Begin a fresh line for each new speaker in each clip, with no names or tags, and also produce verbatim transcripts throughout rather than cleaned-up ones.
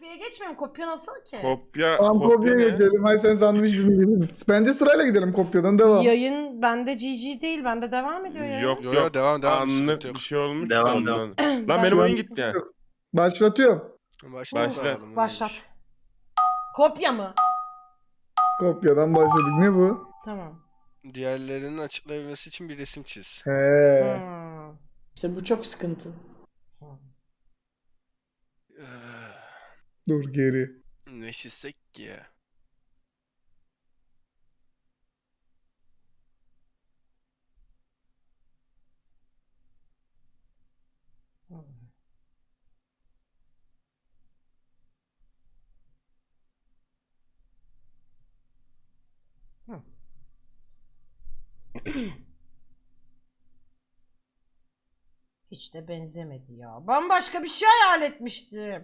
kopyaya geçmiyorum. Kopya nasıl ki?
Kopya,
Tamam
kopya
kopyaya
ne?
geçelim. Hay sen sandviç dilimi gidelim. Bence sırayla gidelim kopyadan devam.
Yayın bende G G değil. Bende devam ediyor ya.
Yok
Yo,
yok.
yo, devam, devam,
Anlık
sıkıntı yok.
bir şey olmuş da
Devam,
ondan.
devam.
Lan
Ben-
benim oyun
Şu an-
gitti ya.
Başlatıyorum.
Başla.
Başla.
bakalım,
Başlat.
neymiş.
Kopya mı?
Kopyadan başladık. Ne bu?
Tamam.
Diğerlerinin açıklayabilmesi için bir resim çiz.
He.
Hmm.
İşte bu çok sıkıntı.
Ee,
Dur geri.
ne çizsek ki ya?
Hiç de benzemedi ya. Bambaşka bir şey hayal etmiştim.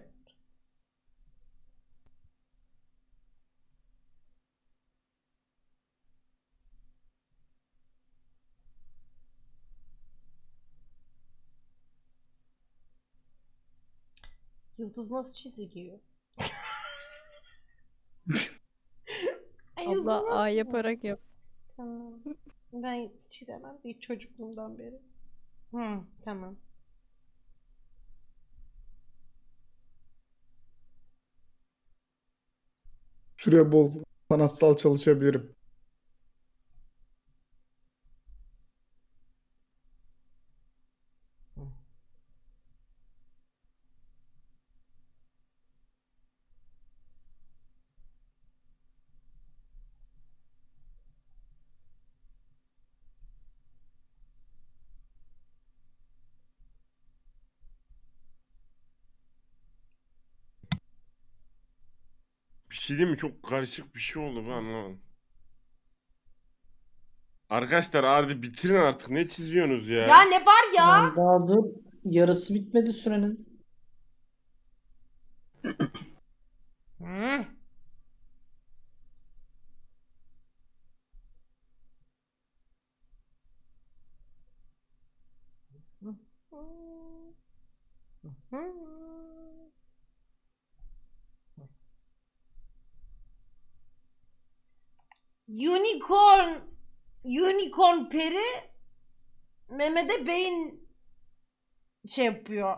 Yıldız nasıl çiziliyor? Ay, yıldız
Abla
nasıl
A
çiziliyor?
yaparak yap.
Tamam. Ben çizemem bir çocukluğumdan beri. Hı, tamam.
Süre bol. Sanatsal çalışabilirim.
Bir şey değil mi? Çok karışık bir şey oldu ben anlamadım. Arkadaşlar hadi bitirin artık. Ne çiziyorsunuz ya?
Ya ne var ya?
Lan daha dur. Yarısı bitmedi sürenin.
Hı. Unicorn Unicorn peri Mehmet'e beyin şey yapıyor.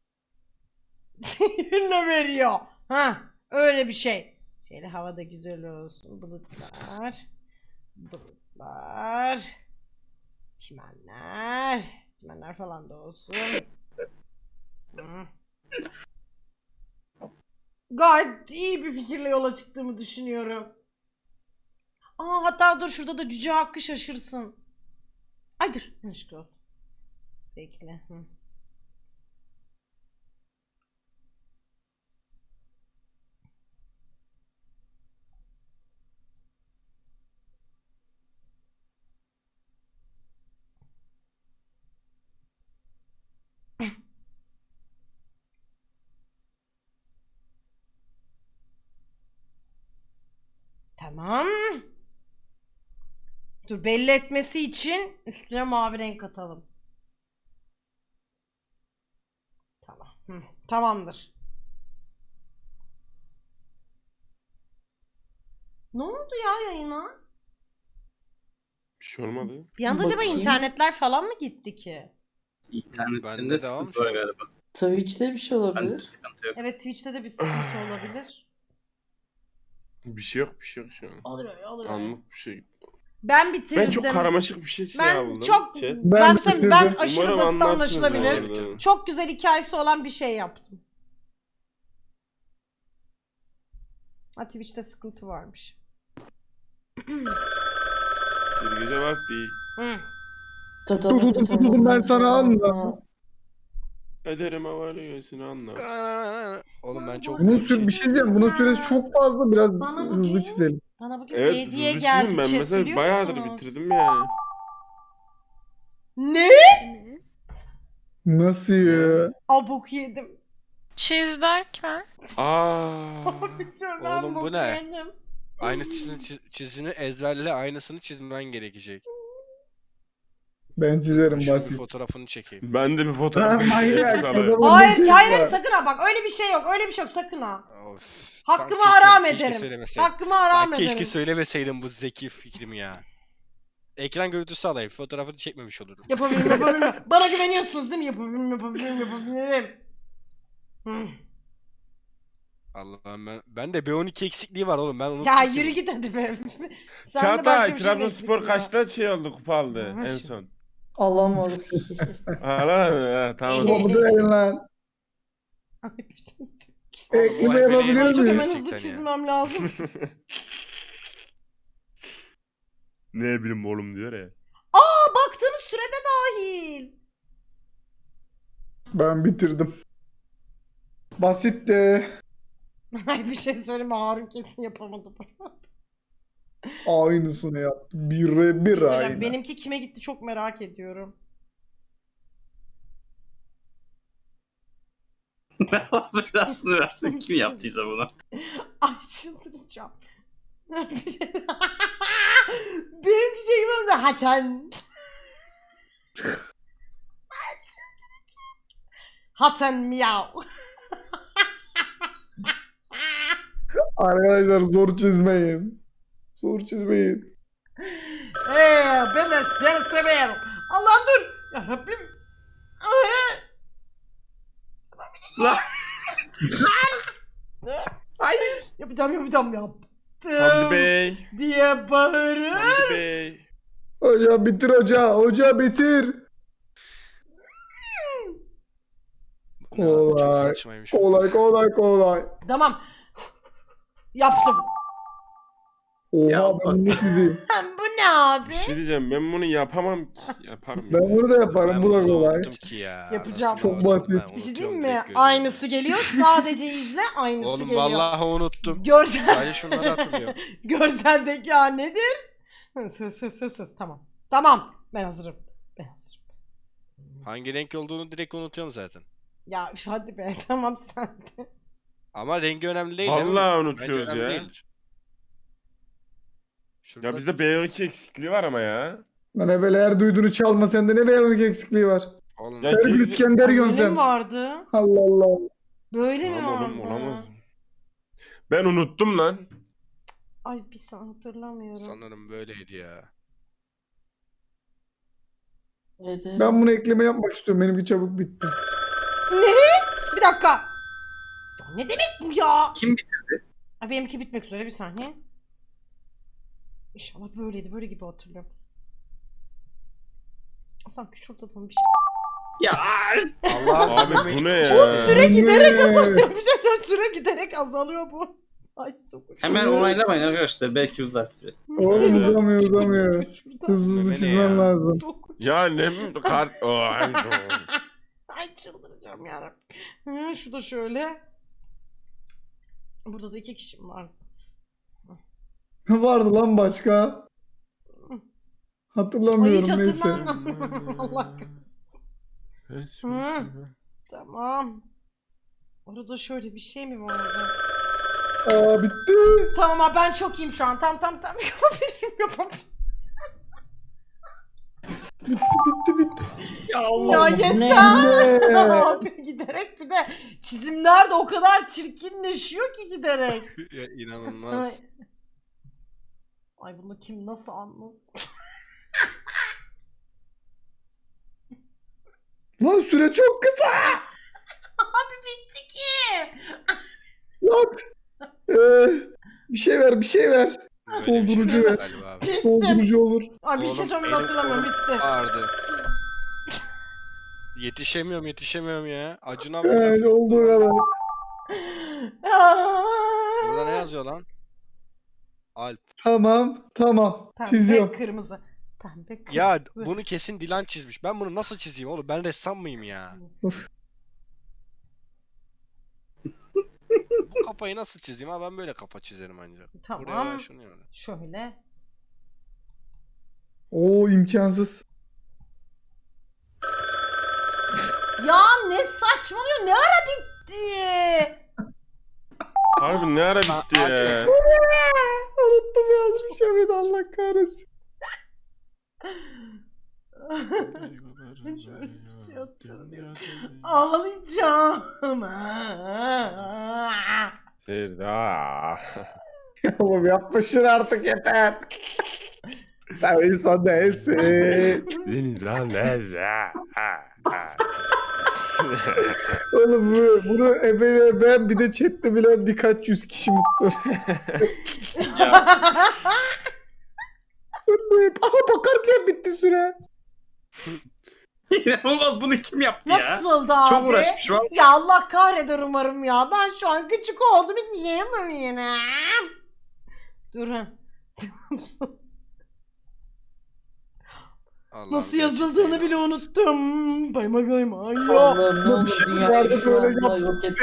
Sinirle veriyor. Ha, öyle bir şey. Şöyle havada güzel olsun. Bulutlar. Bulutlar. Çimenler. Çimenler falan da olsun. Hı. Gayet iyi bir fikirle yola çıktığımı düşünüyorum. Aa, hatta dur şurada da Cüce Hakkı şaşırsın. Ay dur. Yanlışlıkla oldu. Bekle. Hı. Tamam. Dur, belli etmesi için üstüne mavi renk atalım. Tamam. Hı, tamamdır. Ne oldu ya yayına?
Bir şey olmadı.
Bir anda acaba
Bakayım.
internetler falan mı gitti ki?
İnternetinde
Bende devam
sıkıntı
şu
var
an.
galiba.
Twitch'te bir şey
Bende
olabilir.
sıkıntı yok.
Evet, Twitch'te de bir sıkıntı olabilir.
Bir şey yok bir şey yok şu an.
Oluyor, oluyor.
Anlık bir şey.
Ben bitirdim.
Ben çok karmaşık bir şey
Ben
aldım.
çok
Chat.
ben,
Ben
ben, söyleyeyim, ben
bitirdim.
aşırı
Umarım
basit
anlarsınız
anlaşılabilir.
bu arada.
Çok güzel hikayesi olan bir şey yaptım. Ha, Twitch'te sıkıntı varmış.
Bir gece vakti.
Hı.
Dur, dur, dur, dur, ben sana anla.
Ederim havalı göğsünü anla.
Oğlum ben çok
Bunun
büyük
süre bir
çizdim.
şey diyeceğim. Bunun süresi çok fazla. Biraz
Bana bu
hızlı
değil.
çizelim.
Bana bugün
Evet
hediye
hızlı
geldi
çizdim ben
chat,
mesela
biliyor
bayağıdır
musunuz?
bitirdim yani.
Ne?
Ne?
Nasıl ya?
Abuk yedim.
Çiz derken?
Aa.
Oğlum, bu ne? Aynı çizini, çiz- çizini ezberle, aynısını çizmen gerekecek.
Ben çizerim
Şöyle bir
basit.
fotoğrafını çekeyim.
Ben de bir
Ha,
fotoğraf
manyak. O zaman
Hayır
bir
hayır
kez
hayır,
var.
sakın ha, bak öyle bir şey yok, öyle bir şey yok, sakın ha.
Of.
Hakkımı
tam
haram
çekiyorum, keşke
ederim.
söylemeseydim.
Hakkımı haram
Ya
ederim.
keşke söylemeseydim bu zeki fikrimi ya. Ekran görüntüsü alayım. Fotoğrafını çekmemiş olurum.
Yapabilirim, yapabilirim. Bana güveniyorsunuz değil mi? Yapabilirim, yapabilirim, yapabilirim. Hı.
Allah'ım ben, ben de B on iki eksikliği var oğlum. Ben unuttum
Ya
ki.
yürü git hadi be. Sen de başka
Çağatay
bir şey mi
Trabzonspor
eksiktin ya?
kaçta şey oldu kupa aldı
Ha,
en
şimdi.
son?
Alamadık.
Hala ha, tamam.
Topu verin lan.
Ay, bir şey söyleyeyim.
Oğlum, o
Ekleme
Emre'yi
yapabiliyor
Ay, çok
muyum?
hemen hızlı
Gerçekten ya.
çizmem lazım.
Ne bileyim oğlum diyor ya.
Aa, baktığımız sürede dahil.
Ben bitirdim. Basitti.
Ay bir şey söyleme, Harun kesin yapamadı.
Aynısını yaptı. Bire
Bir
bir
şey söyleyeyim,
aynı.
benimki kime gitti çok merak ediyorum.
Belasını versin kim yaptıysa bunu.
Ay çıldıracağım. Bir şey... Benimki şey gibi oldu. Haten. Haten miyav.
Arkadaşlar zor çizmeyin. Zor çizmeyin.
Ee, ben de seni seviyorum. Allah'ım dur. Ya Rabbim.
Lan. Hayır.
Yapacağım yapacağım yaptım.
Hamdi Bey.
Diye bağırır.
Hamdi Bey.
Hoca bitir hoca. Hoca bitir.
Bu ne abi, çok
Kolay.
saçmaymış.
Kolay kolay kolay.
Tamam. Yaptım.
Oha
Ya
ben bunu çizeyim.
Bu ne abi?
Bir şey diyeceğim ben bunu yapamam ki. Yaparım.
Ben
ya.
bunu da yaparım.
Ben
Bu da
bunu
kolay.
unuttum ki ya.
Yapacağım.
Nasıl
Çok
unuttum?
basit.
Ben
Bir şey
unutuyorum,
diyeyim mi?
direkt görüyorum.
Aynısı geliyor. Sadece izle. Aynısı
Oğlum
geliyor.
vallahi unuttum.
Görsel,
Sadece şunları hatırlıyorum.
görsel zeka nedir? Hız hız hız hız. Tamam. Tamam. Ben hazırım. Ben hazırım.
Hangi renk olduğunu direkt unutuyorum zaten.
Ya üf, hadi be. Tamam sen de.
Ama rengi önemli değil değil mi?
Vallahi
Bence
unutuyoruz
önemli
ya.
değildir. Şurada
Ya bizde B on iki eksikliği var ama ya.
Lan evvel eğer duyduğunu çalma sende ne beyanlık eksikliği var.
Oğlum,
Ya
Her gün
geri-
İskender yiyorsun
Böyle mi
sen.
vardı?
Allah Allah.
Böyle mi
Tamam
vardı?
oğlum olamaz. Ben unuttum lan.
Ay bir saniye hatırlamıyorum.
sanırım böyleydi ya.
Evet, evet.
Ben bunu ekleme yapmak istiyorum. Benimki çabuk bitti.
Ne? Bir dakika. Ya ne demek bu ya?
Kim bitirdi?
Ay benimki bitmek üzere, bir saniye. İnşallah böyleydi. Böyle gibi hatırlıyorum. Sanki şurada da bir şey.
Ya
Allah'ım
Abi bu ne ya?
Oğlum süre giderek
Ne?
azalıyor. Bir şey söyleyeyim, süre giderek azalıyor bu. Ay çok
hemen onaylamayın arkadaşlar belki uzar süre.
Oğlum uzamıyor uzamıyor.
Şurada.
Hızlı hızlı
Ne
çizmem
ya?
lazım.
Çok-
Ya ne mi? Kart... Oh, ay, oh.
Ay çıldıracağım yarabbim. Hı, şu da şöyle. Burada da iki kişim var.
Vardı lan başka.
Ay
Hatırlamıyorum
hiç
neyse.
hatırlamam. Allah kahretsin. Tamam. Orada şöyle bir şey mi vardı?
Aa bitti.
Tamam abi ben çok iyiyim şu an. Tam tam tam yapabilirim yapabilirim.
Bitti bitti.
Ya
Ya
Allah.
bu ne
yeter.
Ne?
Abi giderek bir de çizimler de o kadar çirkinleşiyor ki giderek.
ya
Ay.
inanılmaz.
Ay bunu kim nasıl anlasın?
Lan süre çok kısa.
Abi bitti ki.
Lan. Ee, bir şey ver bir şey ver.
Böyle bir şey
Doldurucu
yok
ver.
galiba abi.
Bittim.
Doldurucu olur.
Ay bir şey
Oğlum,
söyleyeyim
elim
hatırlamıyorum
kolum
bitti.
Ağrıdı. Yetişemiyorum yetişemiyorum ya. Acuna
Evet
bak.
olduğu kadar.
Burada ne yazıyor lan? Alp.
Tamam tamam.
Pembe
Çiziyorum.
kırmızı. Pembe kırmızı.
Ya bunu kesin Dilan çizmiş. Ben bunu nasıl çizeyim oğlum? Ben ressam mıyım ya? Bu kafayı nasıl çizeyim? Ha ben böyle kafa çizerim ancak.
Tamam.
Buraya başlanıyor.
Şöyle.
Oo imkansız.
Ya ne saçmalıyor? Ne ara bitti?
Harbi ne ara bitti ya?
Unuttum yazmış ya beni Allah kahretsin.
Şöyle bir şey hatırlıyorum. Ağlayacağım.
Serdar.
Oğlum yapma şunu artık yeter. Sen insan değilsin.
Deniz lan neyse.
Oğlum bu, bunu ebele ben bir de chatte bilen birkaç yüz kişi mutlu. Aha bakarken bitti süre.
İnanılmaz, bunu kim yaptı ya?
Nasıldı abi?
Çok uğraşmış var.
Ya Allah kahreder umarım ya. Ben şu an küçük oldum. Hiç yiyemem yine. Durun.
Allah'ım
Nasıl
gerçekten
yazıldığını
ya.
bile unuttum. Bayma bayma. Yok.
Allah'ım ne olur
Bir şey
dünyayı
vardı
şu
böyle
anda yok et.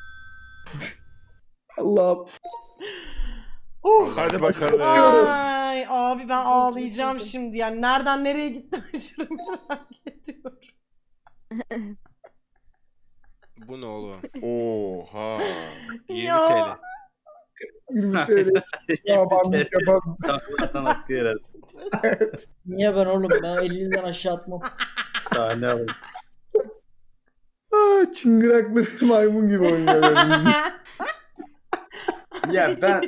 Allah'ım.
Uh.
Hadi bakalım.
Ay abi ben ağlayacağım şimdi. Yani nereden nereye gittim aşırı merak ediyorum.
Bu ne oğlum?
Oha.
yirmi
Ya.
T L.
yirmi T L. Yaban yaban.
Zaten hakkı yarattı.
Niye ben oğlum? Ben ellinden aşağı atmam.
Sahne alın.
Aa, çıngıraklı bir maymun gibi oynuyor böyle müzik.
Ya ben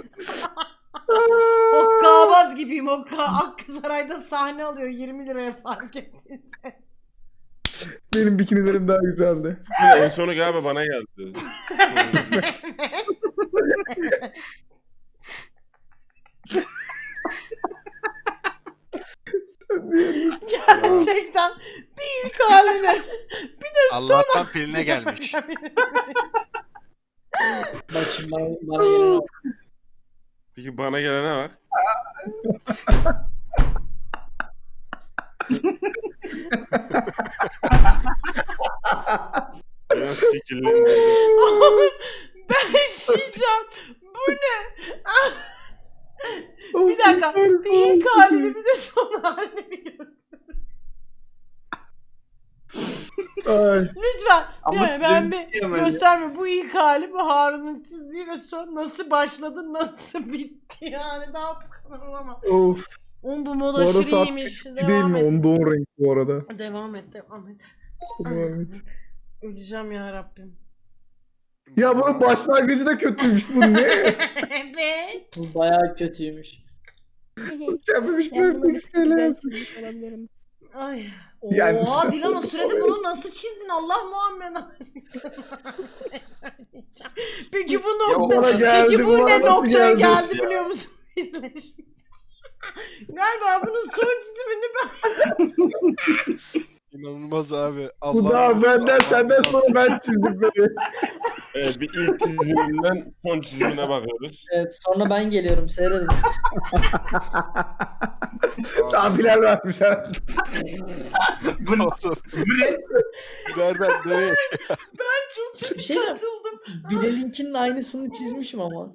Hokkabaz gibiyim. Hokka Akkızaray'da sahne alıyor yirmi liraya fark ettiyse.
Benim bikinilerim daha güzeldi.
En sonu galiba bana geldi.
Gerçekten bir ilk haline bir de son
Allah'tan piline gelmiş.
Bak şimdi bana, bana gelene bak.
Peki bana gelene bak. Biraz şekillendirdim.
ben işeyeceğim. Bu ne? Bir dakika. Bir ilk halini bir de son halini bir gör.
Ay.
Lütfen.
Ama
Yani ben
sizin
bir
diyemem.
gösterme. Bu ilk hali bu Harun'un çizdiği ve son nasıl başladı nasıl bitti yani daha bu kadar ama.
Of.
Oğlum bu mod
Bu arada
aşırı
saat
iyiymiş.
değil
Devam
mi?
et.
Onda on renk bu arada.
Devam et devam et.
Devam et.
Öleceğim ya Rabbim.
Ya bunun başlangıcı da kötüymüş. Bu ne?
Evet.
Bu bayağı kötüymüş.
Mükemmelmiş perfect yazmış.
Ay.
Yani-
Oha Dilan o sürede bunu nasıl çizdin Allah Muhammed Peki bu
Ya
nokta
bana geldi,
Peki bu
bana
ne
nasıl
noktaya
geldi?
geldi, biliyor musun? İzleşim. Galiba bunun son çizimini ben
İnanılmaz abi.
Bu da benden senden sonra ben çizdim böyle.
Evet, bir ilk çiziminden son çizimine bakıyoruz.
Evet sonra ben geliyorum seyredin.
Daha Bilal vermiş ha.
bu ne?
Oğlum,
Bu ne?
nereden nereye?
ben çok kötü
Bir şey diyeceğim.
katıldım.
Bilal'inkinin aynısını çizmişim ama.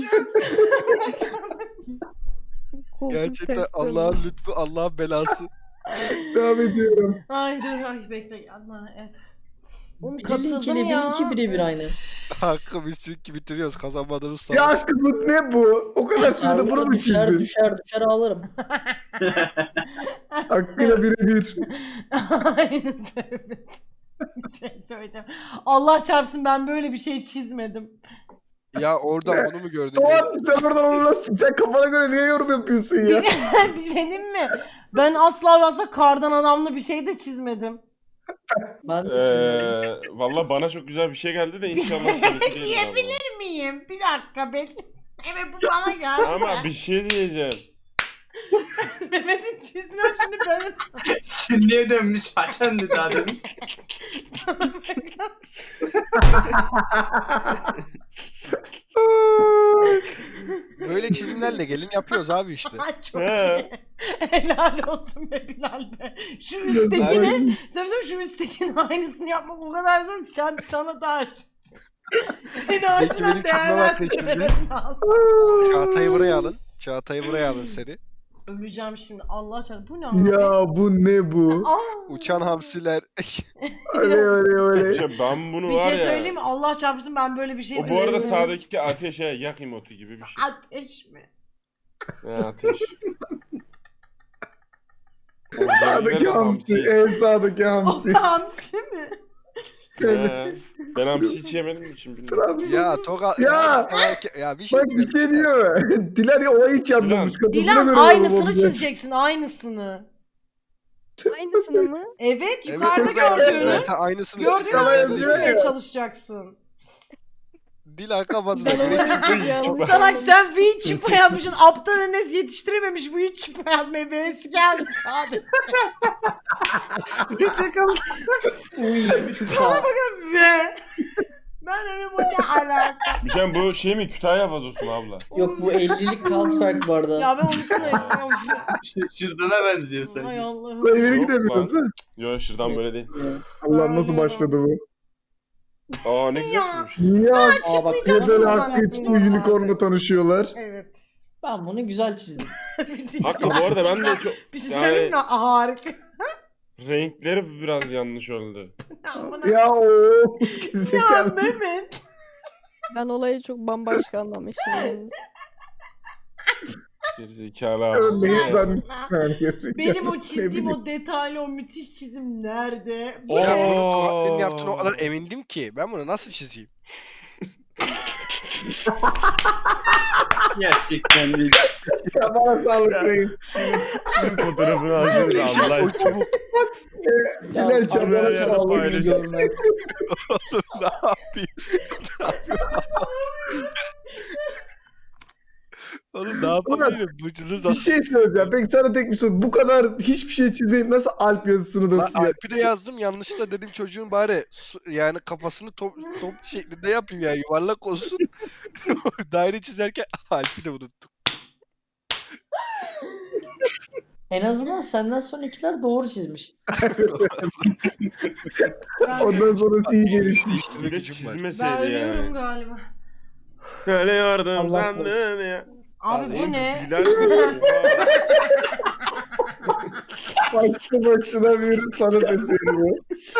Gerçekten Allah'ın lütfu, Allah'ın belası.
Devam ediyorum.
Ay dur ay bekle yapma. Evet. Oğlum
Bilal'inkiyle
katıldım ya.
benimki birebir aynı.
Hakkı biz çünkü bitiriyoruz. Kazanmadığımız
Ya
savaş.
Hakkı bu ne bu? O kadar sürede bunu
Arada
mu
düşer
çizdin?
düşer düşer ağlarım.
Hakkıyla birebir.
Aynı evet. Bir şey söyleyeceğim. Allah çarpsın ben böyle bir şey çizmedim.
Ya oradan bunu mu gördün?
Doğan sen oradan onu nasıl sen kafana göre niye yorum yapıyorsun ya?
bir şey diyeyim mi? Ben asla ve asla kardan adamlı bir şey de çizmedim.
Ben de çizmedim.
Ee, Valla bana çok güzel bir şey geldi de inşallah seninki değil.
Diyebilir miyim? Bir dakika bekle. Evet bu bana geldi.
Ama bir şey diyeceğim.
Mehmet'in çizdiğini şimdi böyle.
Şimdiye dönmüş açan dedi daha demin.
Böyle çizimlerle gelin yapıyoruz abi işte.
Ay, çok
He.
iyi. Helal olsun be Bilal be. Şu üsttekini, sen biliyor musun, şu üsttekinin aynısını yapmak o kadar zor ki sen sana da aşık. Seni acilen
benim çapına bak sen şimdi.
değerlendirmem lazım.
Çağatay'ı buraya alın. Çağatay'ı buraya alın seni.
Öleceğim şimdi Allah çarpsın. Bu ne abi?
Ya bu ne bu?
Aa!
Uçan hamsiler.
Öyle öyle öyle.
Şey, ben bunu
Bir
var
şey
ya.
söyleyeyim mi? Allah çarpsın ben böyle bir şey
O bu arada
düşünmedim.
sağdaki ateşe yak emotu gibi bir şey.
Ateş mi?
Ha, ateş.
Sağdaki hamsi. En sağdaki
O
hamsi.
hamsi mi?
He, ben hamsi hiç yemedim için bilmiyorum.
Trabzon.
Ya Toga
Ya!
sana- ya bir şey
Bak bir şey diyor. Dilan o hiç yapmamış. Kafasına
Dilan
göre
aynısını
yorumlamış.
çizeceksin aynısını.
Aynısını mı?
Evet
Evet,
yukarıda
evet,
gördüğünü.
evet, aynısını
Gördüğün
Yalan
aynısını
yazıyor
çizmeye
ya.
çalışacaksın.
Dilan kafasına
Ben
göre
olarak
çizdi.
yanlış
Salak sen bir hiç çupa yazmışsın. Aptal Enes yetiştirememiş bu hiç çupa yazmaya. B'si geldi sadece.
Uy,
Bana bakın be. Ben öyle bu ne alaka?
Bir şey bu şey mi Kütahya vazosu mu abla?
Yok bu ellilik kağıt fark bu arada.
Ya ben unuttum resmen.
Şırdana benziyor
Ay
sanki.
Allah'ım.
Lan ileri
Yok
gidemiyoruz lan.
Yo şuradan böyle değil.
Allah nasıl başladı bu?
Aa ne güzel çizmiş.
Niye
Aa bak
Açıklayacaksın
Böyle
zannettim
Hakkı için
normalde.
unicorn'la tanışıyorlar.
Evet.
ben bunu güzel çizdim.
Hakkı bu arada ben de çok
Bir şey
yani-
söyleyeyim mi? Aa, harika.
renkleri biraz yanlış oldu.
Amına-
Ya o
Ya
zekalı.
Mehmet.
Ben olayı çok bambaşka anlamışım. Yani.
Gerizekalı
Örneğin
abi.
ben.
Benim o
Ne
çizdiğim
bileyim.
o detaylı o müthiş çizim nerede? Bu
Oo.
Ben
ne?
bunu Togat'ın yaptığına o kadar emindim ki ben bunu nasıl çizeyim?
Gerçekten değil.
Ya bana sağlık reis.
Şunun fotoğrafını alsana Allah
O
aşkına.
çubuk
Ya
Bilal
bak,
çabuk
bana
ya,
çalalım
paylaş.
görmez.
ne yapayım? Ne yapayım? Oğlum ne yapabilirim? Bu çizim
Bir
nasıl?
şey söyleyeceğim. Peki sana tek bir soru. Bu kadar hiçbir şey çizmeyip nasıl Alp yazısını da
Ben
siyah?
Alp'e yazdım yanlışlıkla dedim çocuğun bari su- yani kafasını top, top şeklinde yapayım ya yuvarlak olsun. Daire çizerken Alp'i de unuttum.
En azından senden sonrakiler doğru çizmiş.
Ondan sonrası iyi gelişmiş.
Değiştirme
Bir de
gücüm var.
Ben
çizmeseydi
ölüyorum
yani.
galiba.
Öyle yardım
Allah
sandın ya.
Abi
Vallahi
bu ne?
Bilal mi? Oha.
Başlı başına bir sanat eseri bu.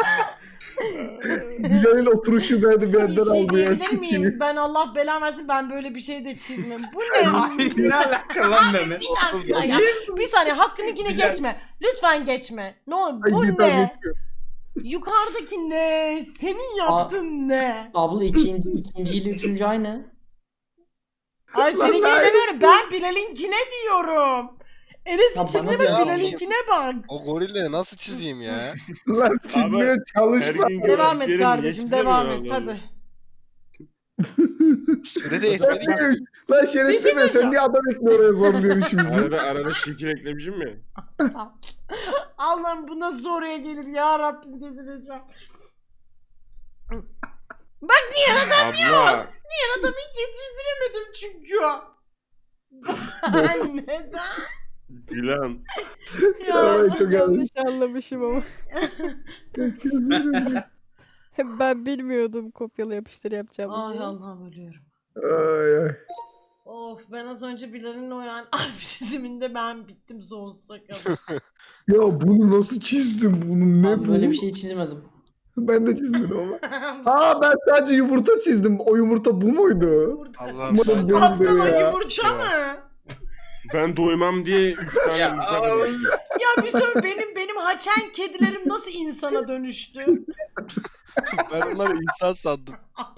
Bilal'in oturuşu beni
Bir
benden
şey
aldı ya.
diyebilir miyim? Ben Allah belamı versin ben böyle bir şey de çizmem. Bu ne ya?
Ay, ne alaka lan Mehmet?
Bir dakika ya. Bir saniye hakkını yine geçme. Lütfen geçme. Ne olur
Ay,
bu
git abi.
ne? Yukarıdaki ne? Senin yaptığın ne?
Abla ikinci, ikinci ile üçüncü aynı.
Ay
Lan
seninkine
ben-
demiyorum. Ben Bilal'inkine diyorum. Enes'in
Ya bana
çizdiğine
diyor,
bak
ya.
Bilal'inkine bak.
O gorilleri nasıl çizeyim ya?
Lan çizmeye
Her
çalışma.
gün
Devam et
gördüklerim
kardeşim
niye
devam et
çizemiyorum
hadi.
Süre de yetmedi ki.
Lan şerefsiz
Bir şey
ben sen niye adam ekle oraya zorluyorsun işimizi?
Arada arada şekil eklemişim mi?
Allah'ım bu nasıl oraya gelir ya Rabbim delireceğim. Bak niye adam
Abla.
Diğer adamı hiç yetiştiremedim çünkü. Ben neden?
Dilan.
Ya,
Ay, çok yanlış.
Yanlış anlamışım ama. Ben bilmiyordum kopyala yapıştır yapacağımızı.
Ay Allah'ım ölüyorum.
Ay ay.
Of ben az önce Bilal'in o yani Alp çiziminde ben bittim sonsuza kadar.
Ya bunu nasıl çizdim? Bunun ne
Ben
bu?
böyle bir şey çizmedim.
Ben de çizmedim ama. Aa ben sadece yumurta çizdim. O yumurta bu muydu?
Allah'ım
Umarım
sadece
benim
Aptal o
de ya.
yumurta mı?
Ben doymam diye üç tane
Ya,
yumurta
aa.
koymuştum.
Ya bir söyle benim benim haçen kedilerim nasıl insana dönüştü?
ben onları insan sandım.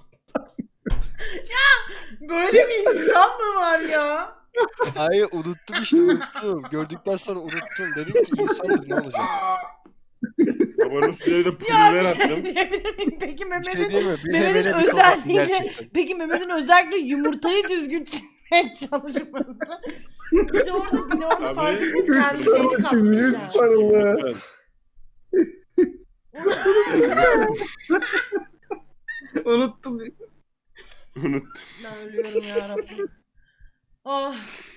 Böyle bir insan mı var ya?
Hayır unuttum işte unuttum. Gördükten sonra unuttum. Dedim ki insandır ne olacak?
Babanın üstüne de
Ya
pulver
bir
attım.
şey diyebilir miyim? Peki
Bir şey
Mehmet'in
değil mi? Bir
Mehmet'in
hevene bir kafa
özelliğini
gerçekten.
peki Mehmet'in özellikle yumurtayı düzgün çizmeye çalışması. Bir de orada bir de orada
Abi,
farkındayız
Üç
kendi şeyini
sarılı çizmiş. Üç
katmış.
sarılı.
Lütfen.
Unuttum.
Unut.
Ben ölüyorum yarabbim. Oh.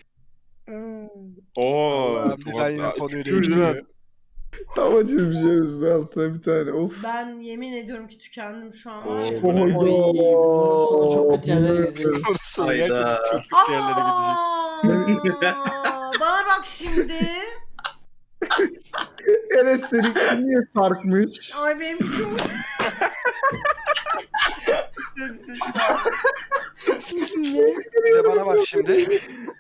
Oo.
Allah'ım, Dilan yine konuyu
tükürdün ha.
değiştiriyor.
Tava çizmişler üstüne altına bir tane. Of.
Ben yemin ediyorum ki tükendim şu an.
Oo,
Ay.
bu ne?
Oy, bunun sonu çok kötü yerlere gidecek.
Onun sonu
Hayda.
gerçekten çok kötü yerlere gidecek.
Aa, bana bak şimdi.
Enes seninki niye sarkmış?
Ay benim çok...
Bir de bana bak şimdi.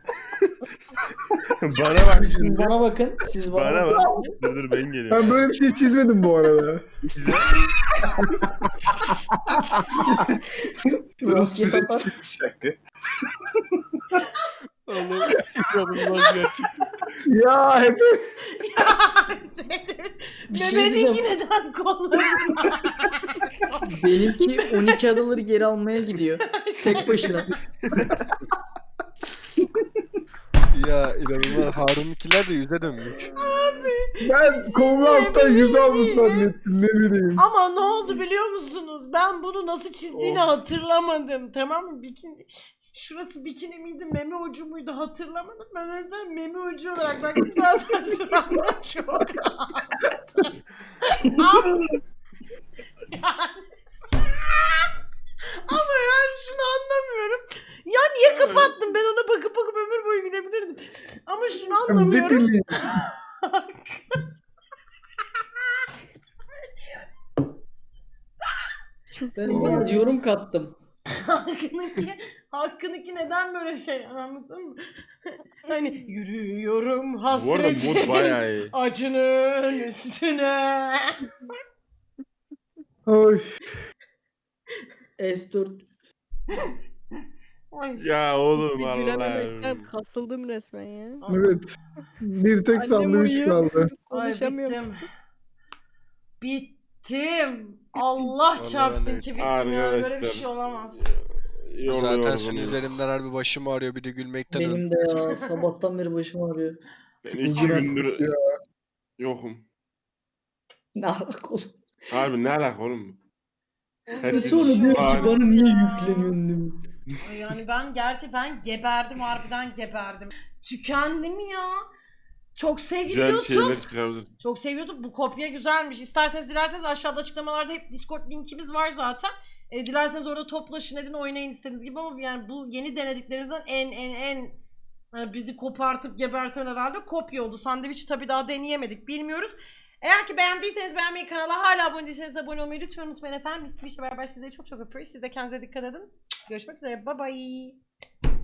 Bana bak
Siz
şimdi.
bana bakın. Siz bana,
Bana
bakın.
bak. Dur dur ben geliyorum.
Ben böyle bir şey çizmedim bu arada.
Bruce
Roket
Willis
atar.
çıkmış hakkı.
Oğlum inanılmaz gerçekten.
Ya hep
Bir şey
Mehmet'inki
diyeceğim.
neden kolları?
Benimki on iki adaları geri almaya gidiyor. Tek başına.
Ya inanılmaz. Harun'unkiler de yüze dönmüş.
ben kolunu alttan yüz almış zannettim ne bileyim.
Ama ne oldu biliyor musunuz? Ben bunu nasıl çizdiğini hatırlamadım. Tamam mı? Bikini şurası bikini miydi, meme ucu muydu hatırlamadım. Ben o yüzden meme ucu olarak baktım zaten şu anda çok rahat. Ama yani, ama yani şunu anlamıyorum. Ya niye kapattım? Ben ona bakıp bakıp ömür boyu gülebilirdim. Ama şunu
Ne
anlamıyorum.
bileyim.
Ben biraz yorum kattım.
Hakkınınki, hakkınınki neden böyle şey anladın mı? Hani yürüyorum
Bu arada mod
hasretin
bayağı iyi.
acının üstüne.
Oy.
S dört.
Ay,
Ya oğlum
Bir gülememekten
Allah'ım.
kasıldım resmen ya.
Evet. Bir tek
Annem
sandviç
uyuyor.
kaldı.
ay
Konuşamıyorum.
bittim. Bittim. Allah
Vallahi
çarpsın
ben de
ki bittim ya. Böyle bir
Arkadaşlar.
şey olamaz.
Yoruluyorum
Zaten senin
bunu.
üzerinden harbi başım ağrıyor bir de gülmekten. öldüm.
Benim de ya sabahtan beri başım ağrıyor.
Ben iki
Bugün
gündür
ya.
yokum.
Ne alaka oğlum?
Harbi ne alaka oğlum?
Ve
Herkes
sonra diyor ki
Harbi.
bana niye yükleniyorsun demiş.
Ay yani ben gerçi ben geberdim harbiden geberdim. Tükendim ya. Çok
Güzel
seviyordum.
şeyler çıkardı.
Çok seviyorduk. Bu kopya güzelmiş. İsterseniz dilerseniz aşağıda açıklamalarda hep Discord linkimiz var zaten. E, dilerseniz orada toplaşın edin oynayın istediğiniz gibi ama yani bu yeni denediklerinizden en en en yani bizi kopartıp geberten herhalde kopya oldu. Sandviç tabii daha deneyemedik bilmiyoruz. Eğer ki beğendiyseniz beğenmeyi, kanala hala abone değilseniz abone olmayı lütfen unutmayın efendim. Biz Twitch'le beraber sizleri çok çok öpüyoruz. Siz de kendinize dikkat edin. Görüşmek üzere. Bye bye.